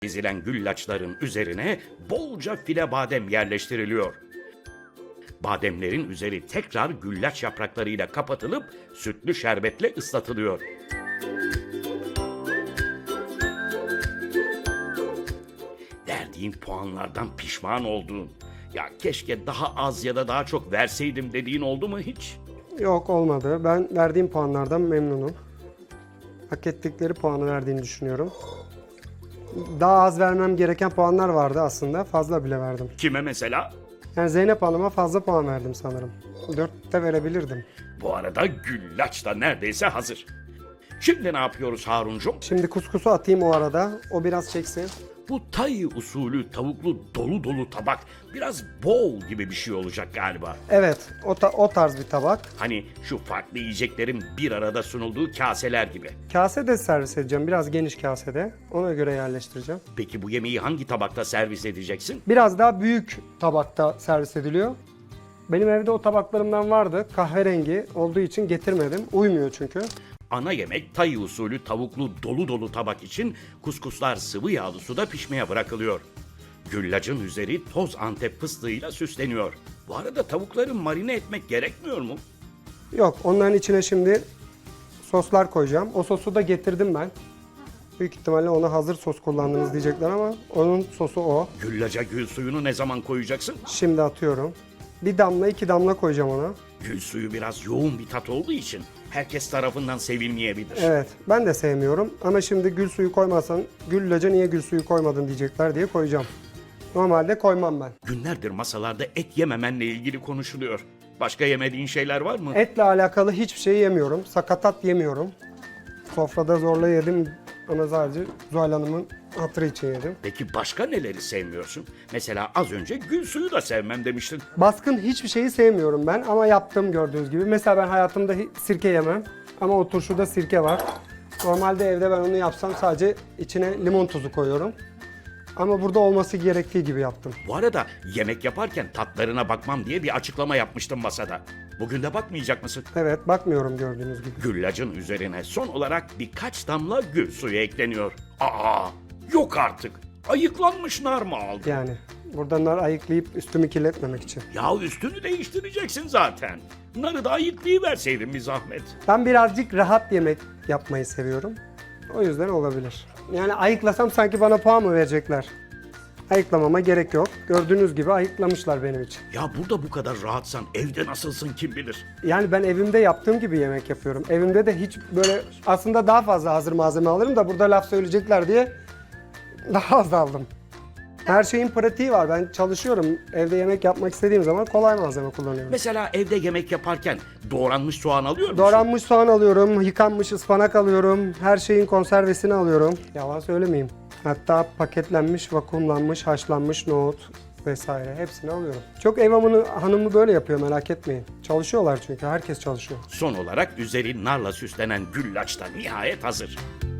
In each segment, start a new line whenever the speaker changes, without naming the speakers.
Dizilen güllaçların üzerine bolca file badem yerleştiriliyor. Bademlerin üzeri tekrar güllaç yapraklarıyla kapatılıp sütlü şerbetle ıslatılıyor. Verdiğin puanlardan pişman olduğun, ya keşke daha az ya da daha çok verseydim dediğin oldu mu hiç?
Yok, olmadı. Ben verdiğim puanlardan memnunum. Hak ettikleri puanı verdiğini düşünüyorum. Daha az vermem gereken puanlar vardı aslında. Fazla bile verdim.
Kime mesela?
Yani Zeynep Hanım'a fazla puan verdim sanırım. 4 de verebilirdim.
Bu arada güllaç da neredeyse hazır. Şimdi ne yapıyoruz Haruncum?
Şimdi kuskusu atayım o arada. O biraz çeksin.
Bu Tay usulü tavuklu dolu dolu tabak biraz bol gibi bir şey olacak galiba.
Evet, o tarz bir tabak.
Hani şu farklı yiyeceklerin bir arada sunulduğu kaseler gibi.
Kase de servis edeceğim. Biraz geniş kasede. Ona göre yerleştireceğim.
Peki bu yemeği hangi tabakta servis edeceksin?
Biraz daha büyük tabakta servis ediliyor. Benim evde o tabaklarımdan vardı. Kahverengi olduğu için getirmedim. Uymuyor çünkü.
Ana yemek Tay usulü tavuklu dolu dolu tabak için kuskuslar sıvı yağlı suda pişmeye bırakılıyor. Güllacın üzeri toz Antep fıstığıyla süsleniyor. Bu arada tavukları marine etmek gerekmiyor mu?
Yok, onların içine şimdi soslar koyacağım. O sosu da getirdim ben. Büyük ihtimalle ona hazır sos kullandınız diyecekler ama onun sosu o.
Güllaca gül suyunu ne zaman koyacaksın?
Şimdi atıyorum. Bir damla, 2 damla koyacağım ona.
Gül suyu biraz yoğun bir tat olduğu için herkes tarafından sevilmeyebilir.
Evet, ben de sevmiyorum ama şimdi gül suyu koymazsan güllaca niye gül suyu koymadın diyecekler diye koyacağım. Normalde koymam ben.
Günlerdir masalarda et yememenle ilgili konuşuluyor. Başka yemediğin şeyler var mı?
Etle alakalı hiçbir şey yemiyorum. Sakatat yemiyorum. Sofrada zorla yedim ama sadece Zuhal Hanım'ın hatırı için yedim.
Peki başka neleri sevmiyorsun? Mesela az önce gül suyu da sevmem demiştin.
Baskın hiçbir şeyi sevmiyorum ben ama yaptım gördüğünüz gibi. Mesela ben hayatımda sirke yemem ama o turşuda sirke var. Normalde evde ben onu yapsam sadece içine limon tuzu koyuyorum. Ama burada olması gerektiği gibi yaptım.
Bu arada yemek yaparken tatlarına bakmam diye bir açıklama yapmıştım masada. Bugün de bakmayacak mısın?
Evet, bakmıyorum gördüğünüz gibi.
Güllacın üzerine son olarak birkaç damla gül suyu ekleniyor. Aa, yok artık. Ayıklanmış nar mı aldın?
Yani burada nar ayıklayıp üstümü kirletmemek için.
Ya üstünü değiştireceksin zaten. Narı da ayıklayıverseydin bir zahmet.
Ben birazcık rahat yemek yapmayı seviyorum. O yüzden olabilir. Yani ayıklasam sanki bana puan mı verecekler? Ayıklamama gerek yok. Gördüğünüz gibi ayıklamışlar benim için.
Ya burada bu kadar rahatsan evde nasılsın kim bilir?
Yani ben evimde yaptığım gibi yemek yapıyorum. Evimde de hiç böyle aslında daha fazla hazır malzeme alırım da burada laf söyleyecekler diye daha az aldım. Her şeyin pratiği var. Ben çalışıyorum. Evde yemek yapmak istediğim zaman kolay malzeme kullanıyorum.
Mesela evde yemek yaparken doğranmış soğan alıyor musun?
Doğranmış soğan alıyorum, yıkanmış ıspanak alıyorum, her şeyin konservesini alıyorum. Yalan söylemeyeyim. Hatta paketlenmiş, vakumlanmış, haşlanmış nohut vesaire hepsini alıyorum. Çok ev hanımı böyle yapıyor, merak etmeyin. Çalışıyorlar çünkü, herkes çalışıyor.
Son olarak üzeri narla süslenen güllaç da nihayet hazır.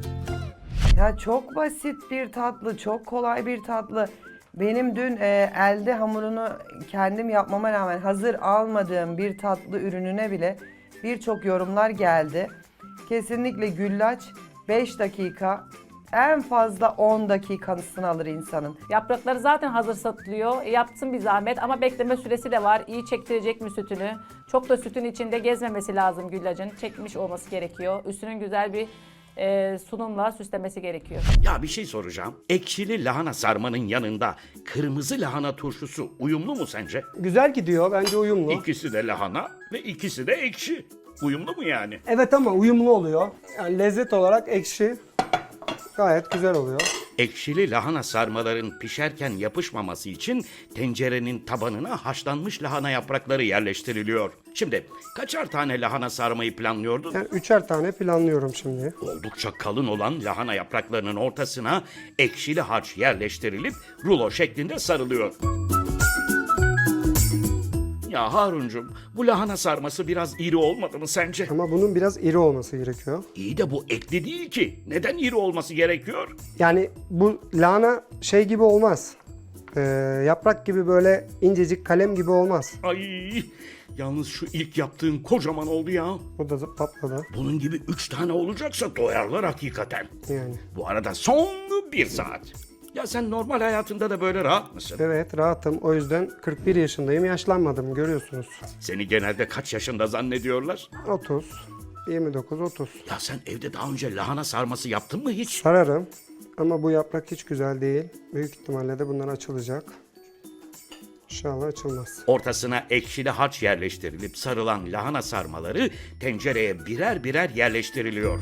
Ya çok basit bir tatlı, çok kolay bir tatlı. Benim dün elde hamurunu kendim yapmama rağmen hazır almadığım bir tatlı ürününe bile birçok yorumlar geldi. Kesinlikle güllaç 5 dakika, en fazla 10 dakikasını alır insanın.
Yaprakları zaten hazır satılıyor. Yapsın bir zahmet ama bekleme süresi de var. İyi çektirecek mi sütünü? Çok da sütün içinde gezmemesi lazım güllacın. Çekmiş olması gerekiyor. Üstünün güzel bir sunumla süslemesi gerekiyor.
Ya bir şey soracağım. Ekşili lahana sarmanın yanında kırmızı lahana turşusu uyumlu mu sence?
Güzel gidiyor, bence uyumlu.
İkisi de lahana ve ikisi de ekşi. Uyumlu mu yani?
Evet ama uyumlu oluyor. Yani lezzet olarak ekşi gayet güzel oluyor.
Ekşili lahana sarmaların pişerken yapışmaması için tencerenin tabanına haşlanmış lahana yaprakları yerleştiriliyor. Şimdi kaçar tane lahana sarmayı planlıyordun?
Yani 3'er tane planlıyorum şimdi.
Oldukça kalın olan lahana yapraklarının ortasına ekşili harç yerleştirilip rulo şeklinde sarılıyor. Ya Haruncum, bu lahana sarması biraz iri olmadı mı sence?
Ama bunun biraz iri olması gerekiyor.
İyi de bu etli değil ki. Neden iri olması gerekiyor?
Yani bu lahana şey gibi olmaz. Yaprak gibi böyle incecik kalem gibi olmaz.
Ay, yalnız şu ilk yaptığın kocaman oldu ya.
O da patladı.
Bunun gibi 3 tane olacaksa doyarlar hakikaten.
Yani.
Bu arada son 1 saat. Ya sen normal hayatında da böyle rahat mısın?
Evet, rahatım. O yüzden 41 yaşındayım. Yaşlanmadım, görüyorsunuz.
Seni genelde kaç yaşında zannediyorlar?
30, 29, 30.
Ya sen evde daha önce lahana sarması yaptın mı hiç?
Sararım ama bu yaprak hiç güzel değil. Büyük ihtimalle de bunlar açılacak. İnşallah açılmaz.
Ortasına ekşili harç yerleştirilip sarılan lahana sarmaları tencereye birer birer yerleştiriliyor.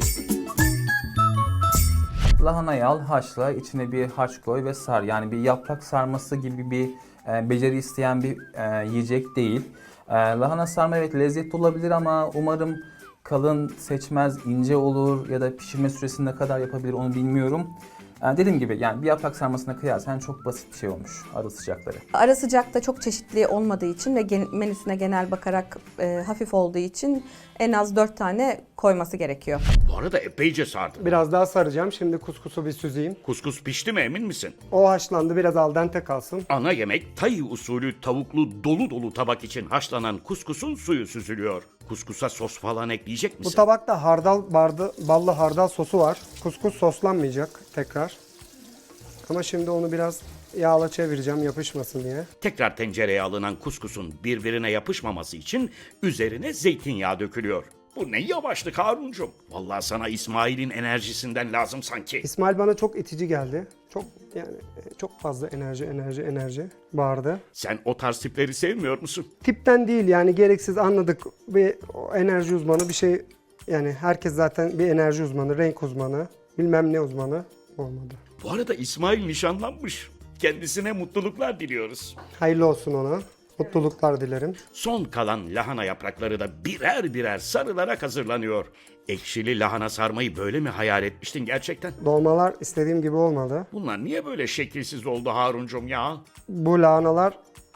Lahanayı al, haşla, içine bir harç koy ve sar. Yani bir yaprak sarması gibi bir beceri isteyen bir yiyecek değil. Lahana sarma evet lezzetli olabilir ama umarım kalın seçmez, ince olur ya da pişirme süresini ne kadar yapabilir onu bilmiyorum. Dediğim gibi yani bir yaprak sarmasına kıyasla çok basit bir şey olmuş ara sıcakları.
Ara sıcakta çok çeşitli olmadığı için ve menüsüne genel bakarak hafif olduğu için en az 4 tane koyması gerekiyor.
Bu arada epeyce sardın.
Biraz daha saracağım. Şimdi kuskusu bir süzeyim.
Kuskus pişti mi emin misin?
O haşlandı. Biraz al dente kalsın.
Ana yemek Tay usulü tavuklu dolu dolu tabak için haşlanan kuskusun suyu süzülüyor. Kuskusa sos falan ekleyecek
Bu
misin?
tabakta ballı hardal sosu var. Kuskus soslanmayacak tekrar. Ama şimdi onu biraz yağla çevireceğim yapışmasın diye.
Tekrar tencereye alınan kuskusun birbirine yapışmaması için üzerine zeytinyağı dökülüyor. Bu ne yavaşlık Haruncum. Vallahi sana İsmail'in enerjisinden lazım sanki.
İsmail bana çok itici geldi. Çok fazla enerji bağırdı.
Sen o tarz tipleri sevmiyor musun?
Tipten değil yani gereksiz anladık ve o enerji uzmanı bir şey yani herkes zaten bir enerji uzmanı, renk uzmanı, bilmem ne uzmanı olmadı.
Bu arada İsmail nişanlanmış. Kendisine mutluluklar diliyoruz.
Hayırlı olsun ona. Mutluluklar dilerim.
Son kalan lahana yaprakları da birer birer sarılarak hazırlanıyor. Ekşili lahana sarmayı böyle mi hayal etmiştin gerçekten?
Dolmalar istediğim gibi olmadı.
Bunlar niye böyle şekilsiz oldu Haruncum ya?
Bu lahanalar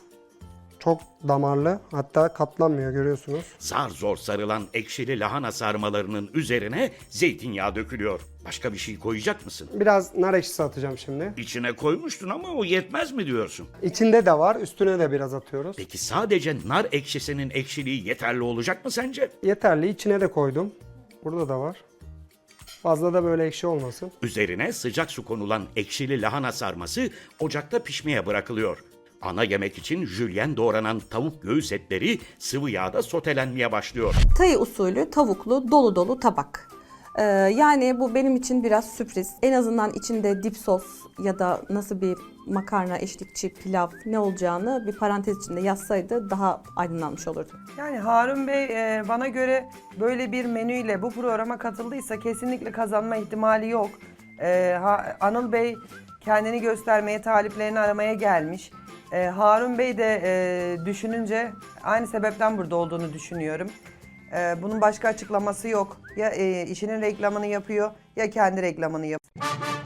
çok damarlı, hatta katlanmıyor görüyorsunuz.
Zar zor sarılan ekşili lahana sarmalarının üzerine zeytinyağı dökülüyor. Başka bir şey koyacak mısın?
Biraz nar ekşisi atacağım şimdi.
İçine koymuştun ama o yetmez mi diyorsun?
İçinde de var, üstüne de biraz atıyoruz.
Peki sadece nar ekşisinin ekşiliği yeterli olacak mı sence?
Yeterli, içine de koydum. Burada da var. Fazla da böyle ekşi olmasın.
Üzerine sıcak su konulan ekşili lahana sarması ocakta pişmeye bırakılıyor. Ana yemek için jülyen doğranan tavuk göğüs etleri sıvı yağda sotelenmeye başlıyor.
Tay usulü tavuklu dolu dolu tabak. Yani bu benim için biraz sürpriz. En azından içinde dip sos ya da nasıl bir makarna, eşlikçi, pilav ne olacağını bir parantez içinde yazsaydı daha aydınlanmış olurdu.
Yani Harun Bey bana göre böyle bir menüyle bu programa katıldıysa kesinlikle kazanma ihtimali yok. Anıl Bey kendini göstermeye, taliplerini aramaya gelmiş. Harun Bey de düşününce aynı sebepten burada olduğunu düşünüyorum. Bunun başka açıklaması yok. Ya işinin reklamını yapıyor ya kendi reklamını yapıyor.